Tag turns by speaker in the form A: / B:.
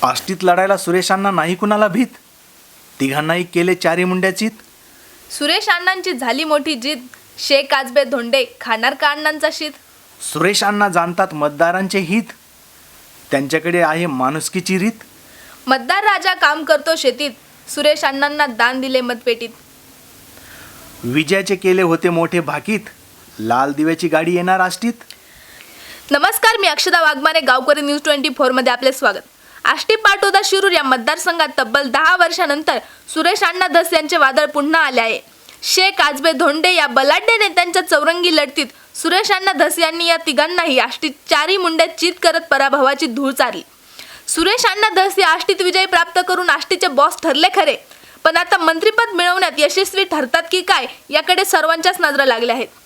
A: आष्टीत लढायला सुरेशांना नाही कुणाला भीत, तिघांनाही केले चारी मुंड्याचीत.
B: सुरेश अण्णांची झाली मोठी जीत, शेख आजबे धोंडे खाणार का अण्णांचा शीत.
A: सुरेश अण्णा जाणतात मतदारांचे हित, त्यांच्याकडे आहे माणुसकीची रीत.
B: मतदार राजा काम करतो शेतीत, सुरेश अण्णांना दान दिले मतपेटीत.
A: विजयाचे केले होते मोठे भाकीत, लाल दिव्याची गाडी येणार आष्टीत.
B: नमस्कार, मी अक्षदा वाघमारे, गावकरी न्यूज 24 मध्ये आपले स्वागत. आष्टी पाटोदा शिरूर या मतदारसंघात तब्बल 10 वर्षानंतर सुरेश अण्णा धस यांचे वादळ पुन्हा आले आहे. शेख आजबे धोंडे या बलाढ्य नेत्यांच्या चौरंगी लढतीत सुरेश अण्णा धस यांनी या तिघांनाही आष्टीत चारी मुंड्यात चित करत पराभवाची धूळ चारली. सुरेश अण्णा धस या आष्टीत विजय प्राप्त करून आष्टीचे बॉस ठरले खरे, पण आता मंत्रिपद मिळवण्यात यशस्वी ठरतात की काय याकडे सर्वांच्याच नजरा लागल्या आहेत.